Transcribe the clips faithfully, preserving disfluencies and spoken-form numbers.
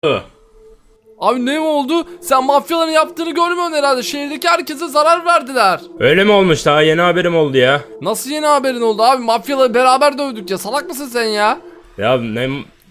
Abi ne mi oldu? Sen mafyaların yaptığını görmüyorsun herhalde. Şehirdeki herkese zarar verdiler. Öyle mi olmuş? Daha yeni haberim oldu ya. Nasıl yeni haberin oldu abi? Mafyaları beraber dövdük ya. Salak mısın sen ya? Ya ne...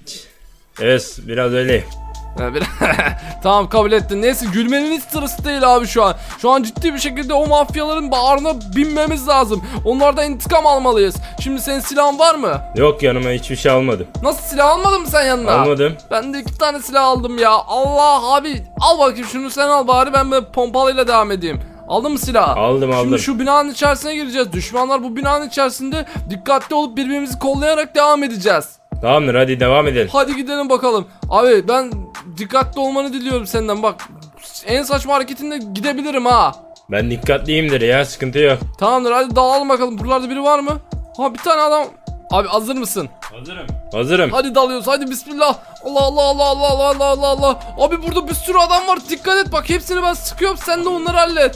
Evet, biraz öyle. Ha, bir... Tamam, kabul ettin. Neyse, gülmenin hiç sırası değil abi şu an. Şu an ciddi bir şekilde o mafyaların bağrına binmemiz lazım. Onlardan intikam almalıyız. Şimdi senin silahın var mı? Yok, yanıma hiçbir şey almadım. Nasıl, silah almadın mı sen yanına? Almadım. Ben de iki tane silah aldım ya. Allah abi, al bakayım şunu, sen al bari, ben böyle pompalıyla devam edeyim. Aldın mı silahı? Aldım aldım. Şimdi şu binanın içerisine gireceğiz. Düşmanlar bu binanın içerisinde, dikkatli olup birbirimizi kollayarak devam edeceğiz. Tamamdır, hadi devam edelim. Hadi gidelim bakalım. Abi ben dikkatli olmanı diliyorum senden, bak. En saçma hareketinde gidebilirim ha. Ben dikkatliyimdir ya, sıkıntı yok. Tamamdır, hadi dağılalım bakalım. Buralarda biri var mı? Ha, bir tane adam. Abi hazır mısın? Hazırım. Hazırım. Hadi dalıyoruz, hadi bismillah. Allah Allah Allah Allah Allah Allah Allah Allah. Abi burada bir sürü adam var, dikkat et bak, hepsini ben sıkıyorum, sen de onları hallet.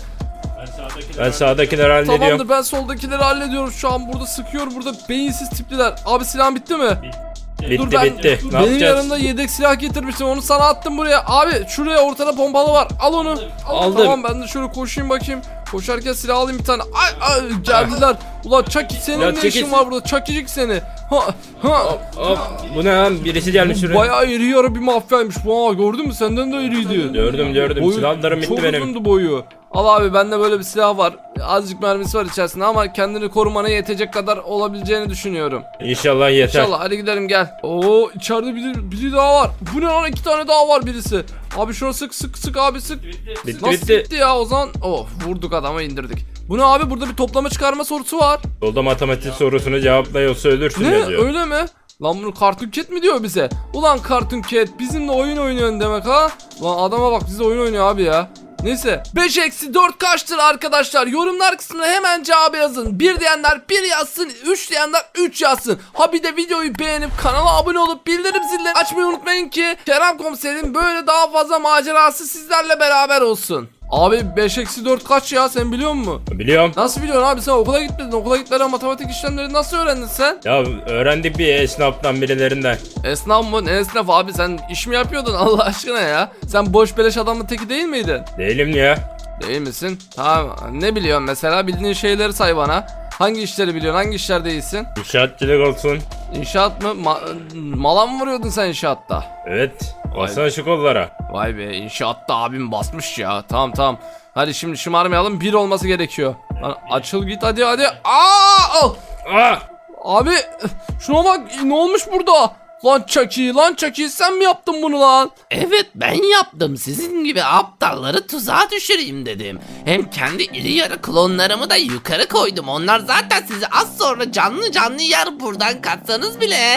Ben sağdakileri hallediyorum. Tamamdır, ben soldakileri hallediyorum şu an, burada sıkıyor, burada beyinsiz tipliler. Abi silahın bitti mi? Bitti Dur, ben- bitti. Ne Benim yapacağız? yanımda yedek silah getirmiştim, onu sana attım buraya. Abi şuraya ortada pompalı var, al onu. Al, Aldım. Tamam, ben de şöyle koşayım bakayım. Koşarken silah alayım bir tane. Ay ay, geldiler. Ulan Chucky, senin Ya ne çekil. işin var burada? Chucky'cik seni. Ha ha. Hop, bu ne lan? Birisi gelmiş şuraya. Bayağı iri yarı bir mafyaymış. Vaa, gördün mü? Senden de iriydi. Gördüm gördüm. Boyu Silahlarım bitti çok benim. uzundu boyu. Al abi, bende böyle bir silah var. Azıcık mermisi var içerisinde ama kendini korumana yetecek kadar olabileceğini düşünüyorum. İnşallah yeter. İnşallah, hadi gidelim gel. Oo, içeride biri, biri daha var. Bu ne lan, iki tane daha var birisi. Abi şuna sık sık sık abi sık. Bitti Nasıl bitti. bitti ya o zaman? Oh, vurduk adamı, indirdik. Bu ne abi, burada bir toplama çıkarma sorusu var. Yolda matematik sorusunu cevapla yoksa ölürsün Ne, yazıyor. öyle mi? Lan bunu Cartoon Cat mi diyor bize? Ulan Cartoon Cat bizimle oyun oynuyorsun demek ha? Lan adama bak, bize oyun oynuyor abi ya. Neyse, beş eksi dört kaçtır arkadaşlar? Yorumlar kısmına hemen cevabı yazın. bir diyenler bir yazsın, üç diyenler üç yazsın. Ha bir de videoyu beğenip kanala abone olup bildirim zilini açmayı unutmayın ki Kerem Komiser'in böyle daha fazla macerası sizlerle beraber olsun. Abi beş eksi dört kaç ya, sen biliyor musun? Biliyorum. Nasıl biliyorsun abi, sen okula gitmedin, okula gitmeden matematik işlemleri nasıl öğrendin sen? Ya öğrendik bir esnaftan birilerinden. Esnaf mı? Ne esnaf abi, sen iş mi yapıyordun Allah aşkına ya? Sen boş beleş adamın teki değil miydin? Değilim ya. Değil misin? Tamam, ne biliyorsun mesela, bildiğin şeyleri say bana. Hangi işleri biliyorsun, hangi işlerde iyisin? İnşaatçılık olsun. İnşaat mı? Ma- mala mı vuruyordun sen inşaatta? Evet. Basana şu kollara. Vay be, inşaatta abim basmış ya. Tamam tamam. Hadi şimdi şımarmayalım, bir olması gerekiyor. Lan açıl git hadi hadi. Aa! Al! Aa! Abi şuna bak, ne olmuş burada? Lan Chucky, lan Chucky, sen mi yaptın bunu lan? Evet, ben yaptım. Sizin gibi aptalları tuzağa düşüreyim dedim. Hem kendi iri yarı klonlarımı da yukarı koydum. Onlar zaten sizi az sonra canlı canlı yer, buradan kaçsanız bile.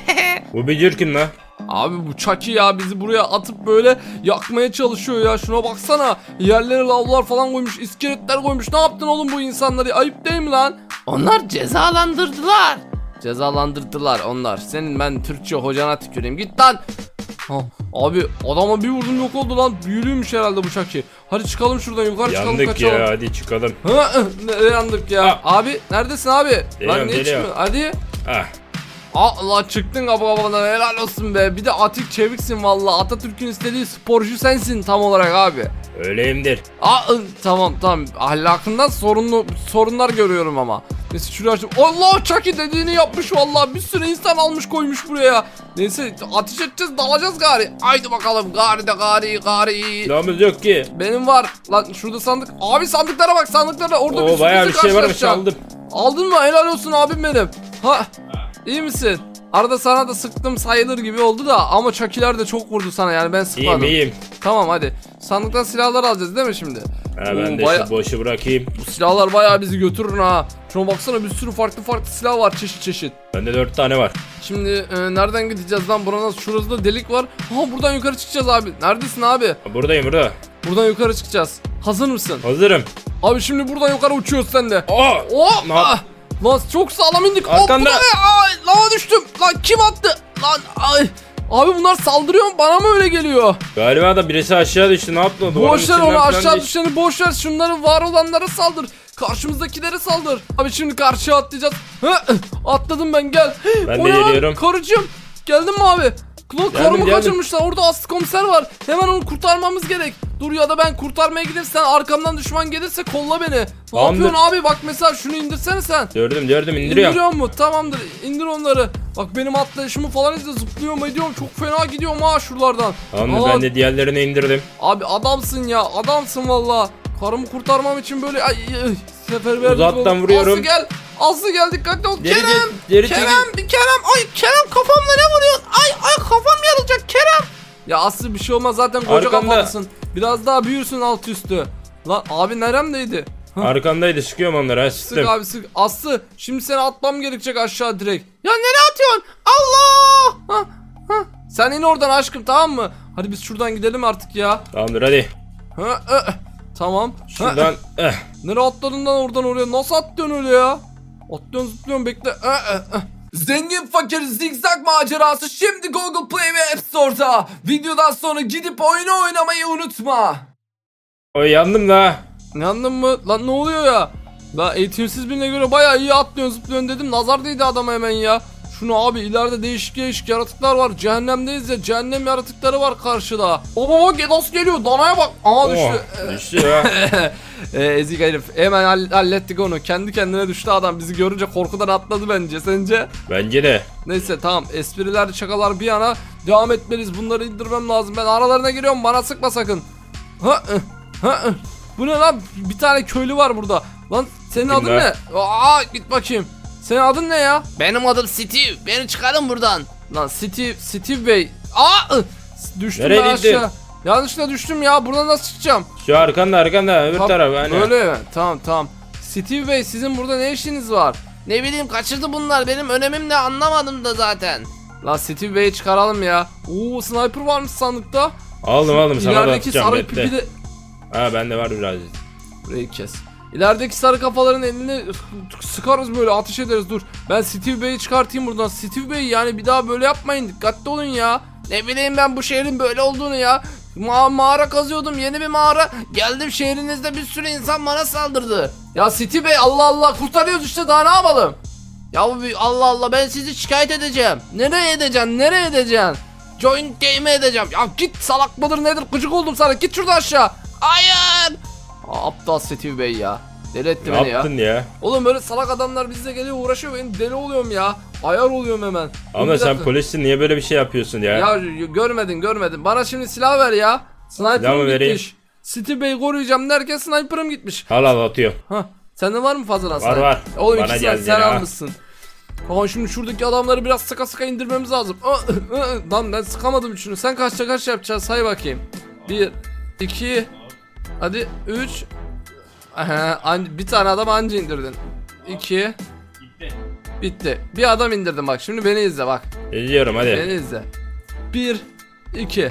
Bu bir cürkün lan. Abi bu Chucky ya, bizi buraya atıp böyle yakmaya çalışıyor ya, şuna baksana. Yerlere lavlar falan koymuş, iskeletler koymuş. Ne yaptın oğlum bu insanları, ayıp değil mi lan? Onlar cezalandırdılar. Cezalandırdılar onlar. Senin ben Türkçe hocana tüküreyim, git lan. Ha, abi adama bir vurdum, yok oldu lan. Büyülüymüş herhalde bu Chucky. Hadi çıkalım şuradan, yukarı çıkalım, Yandık kaçalım. ya, hadi çıkalım. Ha, ne yandık ya? Ha. Abi neredesin abi? Geliyorum, Lan niye geliyorum. çıkmıyor? Hadi. Ah. Aa, lan çıktın kapı kafadan, helal olsun be. Bir de atik çeviksin valla. Atatürk'ün istediği sporcu sensin tam olarak abi. Öyleyimdir. Aa, ı, tamam tamam, ahlakından sorunlu sorunlar görüyorum ama. Neyse şurayı açtım. Allah, Chucky dediğini yapmış valla. Bir sürü insan almış koymuş buraya. Neyse ateş edeceğiz, dalacağız gari. Haydi bakalım gari de gari gari. Silahımız yok ki. Benim var. Lan şurada sandık. Abi sandıklara bak, sandıklara. Orada bir Oo, sürü bayağı bir şey varmış, karşılaşacağım. aldım. Aldın mı? Helal olsun abim benim. Ha, iyi misin? Arada sana da sıktım sayılır gibi oldu da, ama Chucky'ler de çok vurdu sana, yani ben sıkmadım. İyiyim iyiyim. Tamam hadi. Sandıktan silahlar alacağız değil mi şimdi? Ha, ben Oo, de baya- şu boşu bırakayım. Bu silahlar bayağı bizi götürür ha. Şuna baksana, bir sürü farklı farklı silah var, çeşit çeşit. Bende dört tane var. Şimdi e, nereden gideceğiz lan? Buranın şurası da delik var. Ha, buradan yukarı çıkacağız abi. Neredesin abi? Buradayım burada. Buradan yukarı çıkacağız. Hazır mısın? Hazırım. Abi şimdi buradan yukarı uçuyoruz sen de. Aa! Oh! Ne yap- Ah! Lan çok sağlam indik. Arkanda. Hop, bu da ne? Ay, lava düştüm. Lan kim attı? Lan ay. Abi bunlar saldırıyor mu? Bana mı öyle geliyor? Galiba da birisi aşağı düştü, ne yaptı? Duvarın Boş ver içinden onu, falan aşağı değil. düşeni boş ver. Şunların var olanlara saldır. Karşımızdakilere saldır. Abi şimdi karşıya atlayacağız. Hı, atladım ben, gel. Ben O de ne lan? geliyorum. Karıcığım. Geldin mi abi? Klon Geldim, karımı geldim. kaçırmışlar. Orada aslı komiser var. Hemen onu kurtarmamız gerek. Dur ya da ben kurtarmaya gideyim. Sen arkamdan düşman gelirse kolla beni. Ne Tamamdır. yapıyorsun abi? Bak mesela şunu indirsene sen. Gördüm gördüm indiriyorum. İndiriyor mu? Tamamdır. İndir onları. Bak benim atlayışımı falan izle. Zıplıyorum ediyorum. Çok fena gidiyorum ha şuralardan. Tamamdır Aa, ben de diğerlerini indirdim. Abi adamsın ya. Adamsın valla. Karımı kurtarmam için böyle ay, ay, seferberlik Uzaktan oldu. vuruyorum. Aslı gel. Aslı gel dikkatli ol. Geri Kerem. git, geri Kerem. çekil. Kerem. Ay Kerem kafamla ne vuruyorsun? Ay ay kafam yarılacak Kerem. Ya Aslı bir şey olmaz zaten koca Arkanda. kafalısın. Biraz daha büyürsün alt üstü. Lan abi neremdeydi? Hah. Arkamdaydı sıkıyorum onları ha Sık sıktım. abi sık. Aslı şimdi seni atmam gerekecek aşağı direkt. Ya nereye atıyorsun? Allah! Ha, ha. Sen in oradan aşkım tamam mı? Hadi biz şuradan gidelim artık ya. Tamamdır hadi. Ha, e, tamam. Ha, Şuradan eh. nereye atladın lan oradan oraya? Nasıl atlıyorsun öyle ya? Atlıyorsun zıplıyorsun bekle. E, e, e. Zengin fakir zigzag macerası şimdi Google Play ve App Store'da. Videodan sonra gidip oyunu oynamayı unutma. Oy yandım da. Yandın mı? Lan ne oluyor ya? Ben eğitimsiz birine göre bayağı iyi atlıyorsun zıplıyorsun dedim. Nazar değdi adama hemen ya. Şunu abi ileride değişik değişik yaratıklar var. Cehennemdeyiz ya. Cehennem yaratıkları var karşıda. Baba bak nasıl geliyor? Danaya bak. Aha düştü. Oh, düştü ya. e, ezik herif. Hemen hall- hallettik onu. Kendi kendine düştü adam. Bizi görünce korkudan atladı bence. Sence? Bence de. Neyse tamam. Espriler şakalar bir yana. Devam etmeliyiz. Bunları indirmem lazım. Ben aralarına giriyorum. Bana sıkma sakın. Ha, ha, bu ne lan? Bir tane köylü var burada. Lan senin Kim adın lan? ne? Aa git bakayım. Senin adın ne ya? Benim adım Steve. Beni çıkarın buradan. Lan Steve, Steve Bey. Aa! ıh! Düştüm Nereye ben gittin? aşağı. Yanlışlıkla düştüm ya. Buradan nasıl çıkacağım? Şu arkanda arkanda öbür Ha, taraf hani. Böyle mi? Tamam tamam. Steve Bey sizin burada ne işiniz var? Ne bileyim kaçırdı bunlar. Benim önemim ne anlamadım da zaten. Lan Steve Bey'i çıkaralım ya. Oo sniper varmış sandıkta. Aldım aldım sana da İlerideki atacağım sarı bekle. pipi de... Ha bende var biraz. Burayı kes. İlerideki sarı kafaların elini sıkarız böyle ateş ederiz dur. Ben Steve Bey'i çıkartayım buradan. Steve Bey yani bir daha böyle yapmayın. Dikkatli olun ya. Ne bileyim ben bu şehrin böyle olduğunu ya. Ma mağara kazıyordum, yeni bir mağara. Geldim şehrinizde bir sürü insan bana saldırdı. Ya Steve Bey Allah Allah kurtarıyoruz işte daha ne yapalım? Ya bu bir- Allah Allah ben sizi şikayet edeceğim. Nereye edeceksin? Nereye edeceksin? Joint game'e edeceğim. Ya git salak mıdır nedir gıcık oldum sana git şuradan aşağı. Hayır. Aa, aptal Steve Bey ya. Deli etti Ne beni ya. yaptın ya? Oğlum böyle salak adamlar bizle geliyor uğraşıyor ben deli oluyorum ya. Ayar oluyorum hemen. Dur Ama bir sen dakika. polissin niye böyle bir şey yapıyorsun ya? Ya y- görmedin görmedin. Bana şimdi silah ver ya. Silah mı Sniper'ım vereyim? gitmiş. Steve Bey'i koruyacağım derken sniper'ım gitmiş. Al al atıyorum. Hah. Sende var mı fazladan sniper? var. Oğlum Bana ikisini geldi sen ya. almışsın. Aa şimdi şuradaki adamları biraz sıka sıka indirmemiz lazım. Aa, ı, ı. Lan ben sıkamadım üçünü. Sen kaçta kaç yapacaksın say bakayım. Bir, iki, hadi üç. Aha, an- bir tane adam anca indirdin. İki. Bitti. Bir adam indirdim bak. Şimdi beni izle bak. Ediyorum hadi. Beni izle. Bir, iki,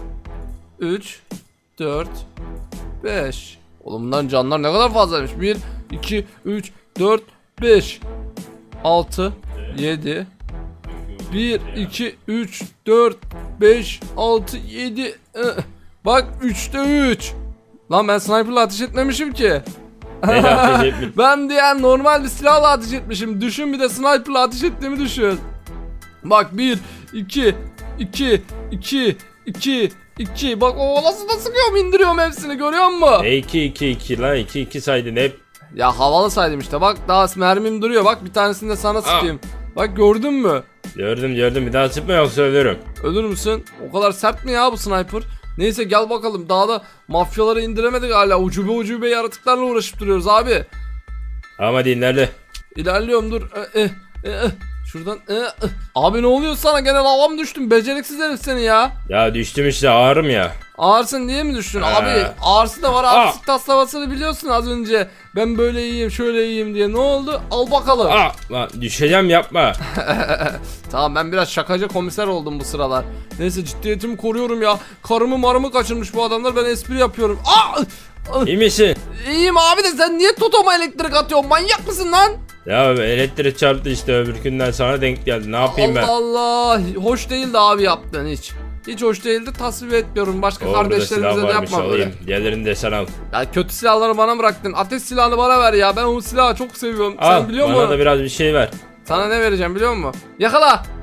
üç, dört, beş. Oğlum bunların canlar ne kadar fazlaymış. Bir, iki, üç, dört, beş, altı, yedi. Bir, iki, üç, dört, beş, altı, yedi. Bak üçte üç. Lan ben sniper'la ateş etmemişim ki. Neyle ateş etmiş? Ben diyen normal bir silahla ateş etmişim. Düşün bir de sniper'la ateş ettiğimi düşün. Bak bir, iki, iki, iki, iki, iki. Bak o nasıl da sıkıyorum indiriyorum hepsini görüyor musun? E iki iki iki lan iki iki saydın hep. Ya havalı saydım işte bak daha mermim duruyor bak bir tanesini de sana sıkayım. Bak gördün mü? Gördüm gördüm bir daha sıkma yoksa ölürüm. Ölür müsün? O kadar sert mi ya bu sniper? Neyse gel bakalım daha da mafyaları indiremedik hala ucube ucube yaratıklarla uğraşıp duruyoruz abi. Ama dinlerle. İlerliyorum dur. E, e, e, e. Şuradan. E, e. Abi ne oluyor sana gene lava mı düştün? Beceriksiz herif seni ya. Ya düştüm işte ağrım ya. Ağırsın diye mi düştün? Ha. Abi ağırsı da var. Aa. Artistik taslavasını biliyorsun az önce. Ben böyle iyiyim şöyle iyiyim diye. Ne oldu? Al bakalım. Aa lan düşeceğim yapma. Tamam ben biraz şakacı komiser oldum bu sıralar. Neyse ciddiyetimi koruyorum ya. Karımı marımı kaçırmış bu adamlar. Ben espri yapıyorum. Aa! İyi misin? İyiyim abi de sen niye totoma elektrik atıyorsun? Manyak mısın lan? Ya elektrik çarptı işte öbür günden sana denk geldi. Ne yapayım ben? Allah Allah. Hoş değildi abi yaptığın hiç. Hiç hoş değildi tasvip etmiyorum. Başka Orada kardeşlerimize silah de varmış yapma böyle. alayım. Diğerlerini de sen al. Ya kötü silahları bana bıraktın. Ateş silahını bana ver ya. Ben o silahı çok seviyorum. Al Sen biliyor bana musun? da biraz bir şey ver. Sana ne vereceğim biliyor musun? Yakala.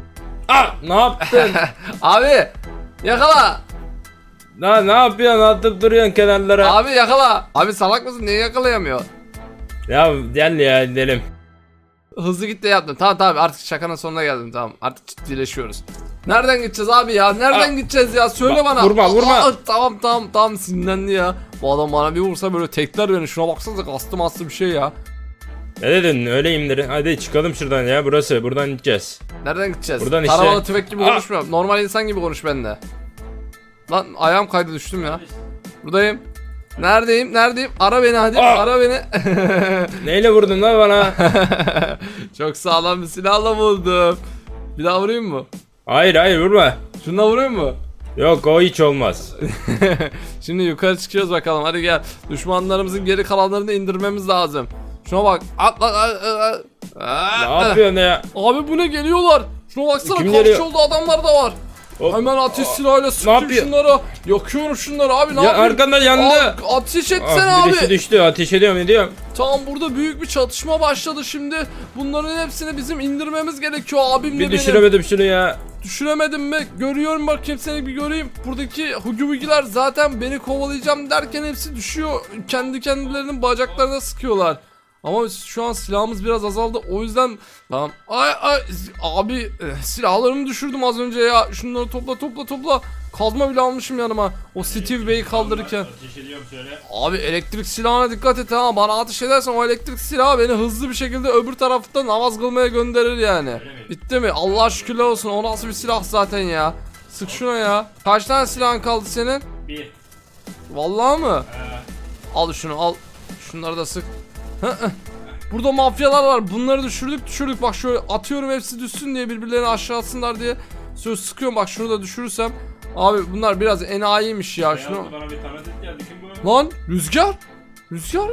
Ah, ne yaptın? Abi yakala. Ne ne yapıyorsun? Atıp duruyorsun kenarlara. Abi yakala. Abi salak mısın? Niye yakalayamıyor? Ya gel ya gidelim. Hızlı git de yaptım. Tamam tamam artık şakanın sonuna geldim tamam. Artık ciddileşiyoruz. Nereden gideceğiz abi ya? Nereden Aa, gideceğiz ya? Söyle bak, bana. vurma, vurma. Aa, tamam tamam tamam sinirlendi ya. Bu adam bana bir vursa böyle tekler beni. Şuna baksanıza kastım aslı bir şey ya. Ne dedin? Öyleyim dedin. Hadi çıkalım şuradan ya. Burası. Buradan gideceğiz. Nereden gideceğiz? Buradan işte. Taramalı tüfek gibi Aa. konuşma. Normal insan gibi konuş benimle. Lan ayağım kaydı düştüm ya. Buradayım. Neredeyim? Neredeyim? Ara beni hadi. Aa. Ara beni. Neyle vurdun lan bana? Çok sağlam bir silahla vurdum. Bir daha vurayım mı? Hayır hayır vurma. Şununla vurayım mı? Yok o hiç olmaz. Şimdi yukarı çıkıyoruz bakalım. Hadi gel. Düşmanlarımızın geri kalanlarını indirmemiz lazım. Şuna bak. Atla. Ne yapıyorsun ya? Abi bu ne geliyorlar? Şuna baksana Kim karşı geliyor? yolda adamlar da var. Hop. Hemen ateş silahıyla sıkıyorum yapıyor? şunları. Yakıyorum şunları abi ne Ya yapayım? arkandan yandı. Abi, ateş etsene Ah, birisi abi. düştü. Ateş ediyorum ediyorum. Tamam burada büyük bir çatışma başladı şimdi. Bunların hepsini bizim indirmemiz gerekiyor abimle Bir benim. düşüremedim şunu ya. Düşüremedim mi? Görüyorum bakayım seni bir göreyim. Buradaki hugi hugiler zaten beni kovalayacağım derken hepsi düşüyor. Kendi kendilerinin bacaklarına sıkıyorlar. Ama şu an silahımız biraz azaldı. O yüzden tamam. Ay ay abi eh, silahlarımı düşürdüm az önce ya. Şunları topla topla topla. Kazma bile almışım yanıma. O Steve Bey'i kaldırırken. Ateş ediyorum şöyle. Abi elektrik silahına dikkat et ha. Bana ateş edersen o elektrik silahı beni hızlı bir şekilde öbür tarafta namaz kılmaya gönderir yani. Bitti mi? Allah şükürler olsun. O nasıl bir silah zaten ya. Sık şuna ya. Kaç tane silahın kaldı senin? Bir. Vallahi mı? Al şunu al. Şunları da sık. Hı hı. Burada mafyalar var. Bunları düşürdük düşürdük. Bak şöyle atıyorum hepsi düşsün diye birbirlerini aşağı atsınlar diye. Söz sıkıyorum bak şunu da düşürürsem. Abi bunlar biraz enayiymiş ya. Şunu... Bana bir tanıdık geldi. Kim bu? Lan Rüzgar. Rüzgar.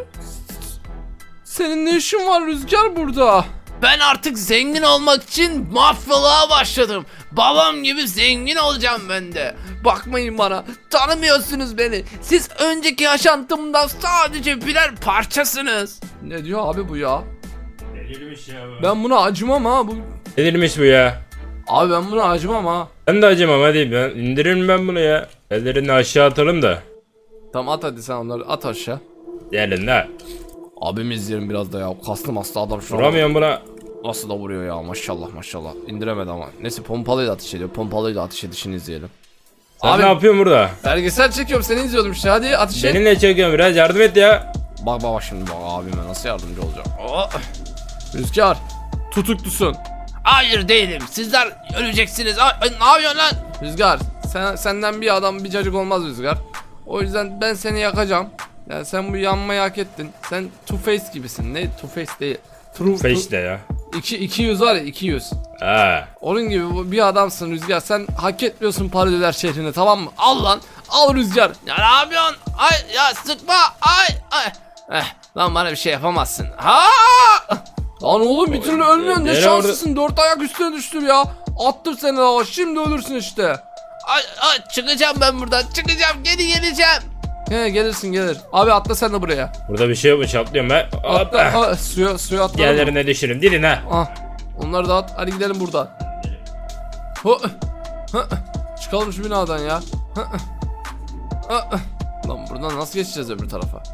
Senin ne işin var Rüzgar burada? Ben artık zengin olmak için mafyalığa başladım. Babam gibi zengin olacağım ben de. Bakmayın bana. Tanımıyorsunuz beni. Siz önceki yaşantımdan sadece birer parçasınız. Ne diyor abi bu ya? Delirmiş ya bu. Ben buna acımam ha. Bu... Delirmiş bu ya. Abi ben buna acımam ha. Ben de acımam hadi ben indiririm ben bunu ya. Ellerini aşağı atalım da. Tamam at hadi sen onları at aşağı. Gelin la. Abimi izleyelim biraz da ya. Kaslı maslı adam şu an. Vuramıyorum buna. Nasıl da vuruyor ya maşallah maşallah. İndiremedi ama. Neyse pompalıyla ateş ediyor. Pompalıyla ateş edişini izleyelim. Sen Abi- ne yapıyorsun burada? Belgesel çekiyorum seni izliyordum işte hadi ateş et. Seninle çekiyorum biraz yardım et ya. Bak bak bak şimdi bak abime nasıl yardımcı olacağım. Oh. Rüzgar tutuklusun. Hayır değilim. Sizler öleceksiniz. Ay, ay, ne yapıyorsun lan? Rüzgar sen, senden bir adam bir cacık olmaz Rüzgar. O yüzden ben seni yakacağım. Yani sen bu yanmayı hak ettin. Sen Two Face gibisin. Ne Two Face değil. True Face de ya. iki, iki yüz var ya iki yüz. Ha. Onun gibi bu- bir adamsın Rüzgar. Sen hak etmiyorsun paradiler şehrine tamam mı? Al lan. Al Rüzgar. Ya ne yapıyorsun? Ay ya sıkma. Ay ay. Eh, lan bana bir şey yapamazsın. Ha! Lan oğlum bir türlü ölmüyorsun. Ne Nereye şanslısın. Dört ayak üstüne düştüm ya. Attım seni lava. Şimdi ölürsün işte. Ay ay çıkacağım ben buradan. Çıkacağım. Geri geleceğim. He gelirsin gelir. Abi atla sen de buraya. Burada bir şey yokmuş atlıyorum ben. Atla. Hoppa. Ha, suya suya atla. Yerlerine düşürüm dilin ha. Ah. Onları da at. Hadi gidelim buradan. Ho. Hı. Çıkalım şu binadan ya. Hı. Ah. Lan buradan nasıl geçeceğiz öbür tarafa?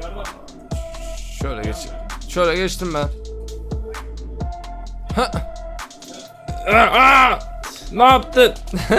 Şöyle geç. Şöyle geçtim ben. Hı. Aa, aa! Ne yaptın?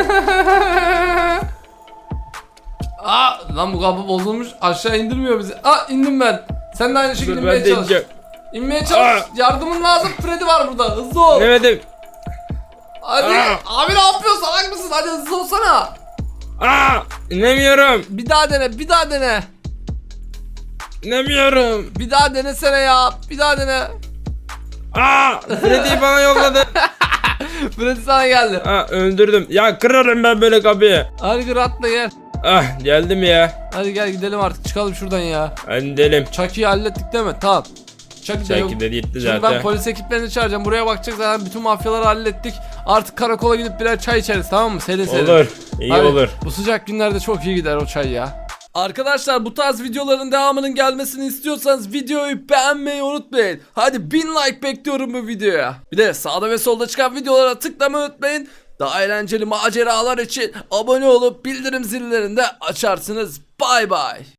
Aa, lan bu kapı bozulmuş. Aşağı indirmiyor bizi. Aa indim ben. Sen de aynı şekilde Dur inmeye ben de çalış. ineceğim. İnmeye çalış. Aa. Yardımın lazım. Freddy var burada. Hızlı ol. Demedim. Hadi. Aa. Abi ne yapıyorsun? Salak mısın? Hadi hızlı olsana. Aa! İnemiyorum. Bir daha dene. Bir daha dene. İnemiyorum. Bir daha denesene ya. Bir daha dene. Aa! Freddy'yi bana yolladı. Freddy sana geldi. Aa öldürdüm. Ya kırarım ben böyle kapıyı. Hadi gir atla gel. Ah geldim ya. Hadi gel gidelim artık. Çıkalım şuradan ya. Hadi gidelim. Chucky'yi hallettik değil mi? Tamam. Chucky de yok. Belki de gitti Şimdi zaten. ben polis ekiplerini çağıracağım. Buraya bakacak zaten bütün mafyaları hallettik. Artık karakola gidip birer çay içeriz tamam mı? Serin serin. Olur. İyi Hadi, olur. Bu sıcak günlerde çok iyi gider o çay ya. Arkadaşlar bu tarz videoların devamının gelmesini istiyorsanız videoyu beğenmeyi unutmayın. Hadi bin like bekliyorum bu videoya. Bir de sağda ve solda çıkan videolara tıklamayı unutmayın. Daha eğlenceli maceralar için abone olup bildirim zillerini de açarsınız. Bay bay.